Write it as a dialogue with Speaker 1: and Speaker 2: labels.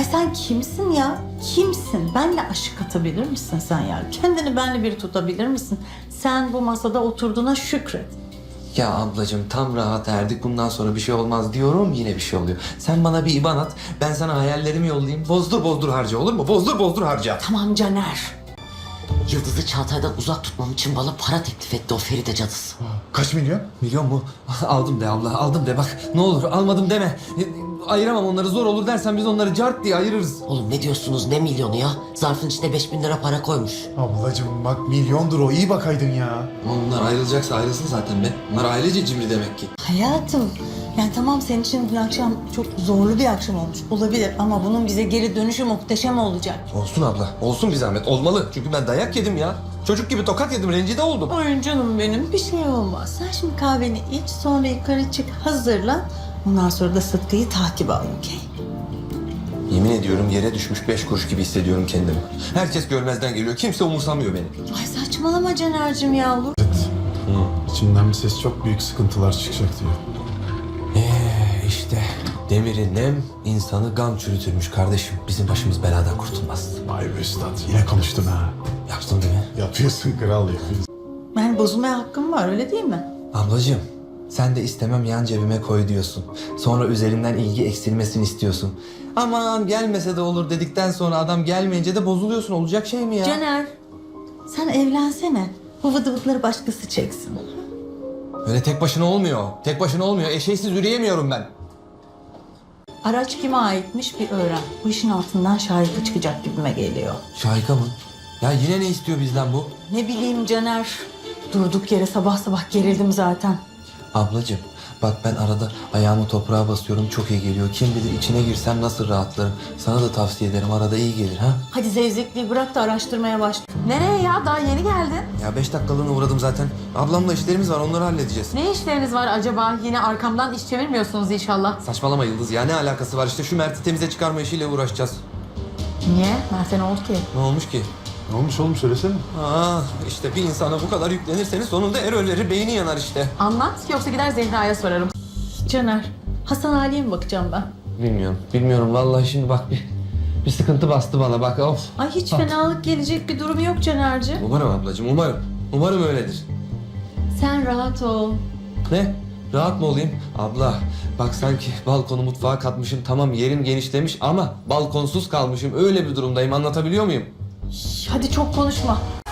Speaker 1: Ay sen kimsin ya? Kimsin? Benle aşık atabilir misin sen ya? Kendini benle bir tutabilir misin? Sen bu masada oturduğuna şükret.
Speaker 2: Ya ablacığım tam rahat erdik. Bundan sonra bir şey olmaz diyorum, yine bir şey oluyor. Sen bana bir IBAN at. Ben sana hayallerimi yollayayım. Bozdur bozdur harca, olur mu? Bozdur bozdur harca.
Speaker 1: Tamam Caner.
Speaker 3: Yıldız'ı Çağatay'dan uzak tutmam için bana para teklif etti o Feride cadısı.
Speaker 4: Kaç milyon?
Speaker 2: Milyon mu? Aldım de abla, aldım de. Bak ne olur almadım deme. Ayıramam onları, zor olur dersen biz onları cart diye ayırırız.
Speaker 3: Oğlum ne diyorsunuz, ne milyonu ya? Zarfın içine 5.000 lira para koymuş.
Speaker 4: Ablacığım bak milyondur o, iyi bakaydın ya.
Speaker 2: Ama bunlar ayrılacaksa ayrılsın zaten be. Bunlar ailece cimri demek ki.
Speaker 1: Hayatım, yani tamam senin için dün akşam çok zorlu bir akşam olmuş olabilir ama bunun bize geri dönüşü muhteşem olacak.
Speaker 2: Olsun abla, olsun bir zahmet. Olmalı. Çünkü ben dayak yedim ya. Çocuk gibi tokat yedim, rencide oldum.
Speaker 1: Ay canım benim, bir şey olmaz. Sen şimdi kahveni iç, sonra yukarı çık, hazırlan. Ondan sonra da Sıtkı'yı takip al, okey?
Speaker 2: Yemin ediyorum yere düşmüş 5 kuruş gibi hissediyorum kendimi. Herkes görmezden geliyor, kimse umursamıyor beni.
Speaker 1: Ay saçmalama Caner'cim yavrum.
Speaker 4: İçimden bir ses çok büyük sıkıntılar çıkacak diyor.
Speaker 2: İşte demiri nem, insanı gam çürütürmüş kardeşim. Bizim başımız beladan kurtulmaz.
Speaker 4: Vay be üstad, yine konuştun ha.
Speaker 2: Yaptın değil mi?
Speaker 4: Yapıyorsun kral, yapıyorsun.
Speaker 1: Yani bozulmaya hakkım var, öyle değil mi?
Speaker 2: Ablacığım, sen de istemem yan cebime koy diyorsun. Sonra üzerimden ilgi eksilmesini istiyorsun. Aman gelmese de olur dedikten sonra adam gelmeyince de bozuluyorsun. Olacak şey mi ya?
Speaker 1: Caner, sen evlensene. Bu vıdıvıtları başkası çeksin.
Speaker 2: Öyle tek başına olmuyor. Tek başına olmuyor. Eşeğsiz yürüyemiyorum ben.
Speaker 1: Araç kime aitmiş bir öğren. Bu işin altından şahika çıkacak gibime geliyor.
Speaker 2: Şahika mı? Ya yine ne istiyor bizden bu?
Speaker 1: Ne bileyim Caner. Durduk yere sabah sabah gerildim zaten.
Speaker 2: Ablacığım, bak ben arada ayağımı toprağa basıyorum, çok iyi geliyor. Kim bilir içine girsem nasıl rahatlarım. Sana da tavsiye ederim, arada iyi gelir ha.
Speaker 1: Hadi zevzekliği bırak da araştırmaya başla.
Speaker 5: Nereye ya? Daha yeni geldin.
Speaker 2: Ya 5 dakikalığına uğradım zaten. Ablamla işlerimiz var, onları halledeceğiz.
Speaker 5: Ne işleriniz var acaba? Yine arkamdan iş çevirmiyorsunuz inşallah.
Speaker 2: Saçmalama Yıldız ya, ne alakası var? İşte şu Mert'i temize çıkarma işiyle uğraşacağız.
Speaker 5: Niye? Mert'e ne oldu ki?
Speaker 2: Ne olmuş ki?
Speaker 4: Ne olmuş oğlum, söylesene.
Speaker 2: İşte bir insana bu kadar yüklenirseniz sonunda erörleri beyni yanar işte.
Speaker 5: Anlat yoksa gider Zehra'ya sorarım.
Speaker 1: Caner, Hasan Ali'ye mi bakacağım ben?
Speaker 2: Bilmiyorum vallahi şimdi bak bir sıkıntı bastı bana bak of.
Speaker 1: Ay hiç fenalık gelecek bir durum yok Caner'cim.
Speaker 2: Umarım ablacığım, umarım. Umarım öyledir.
Speaker 1: Sen rahat ol.
Speaker 2: Ne? Rahat mı olayım? Abla bak sanki balkonu mutfağa katmışım, tamam yerim genişlemiş ama balkonsuz kalmışım. Öyle bir durumdayım, anlatabiliyor muyum?
Speaker 1: Hadi çok konuşma.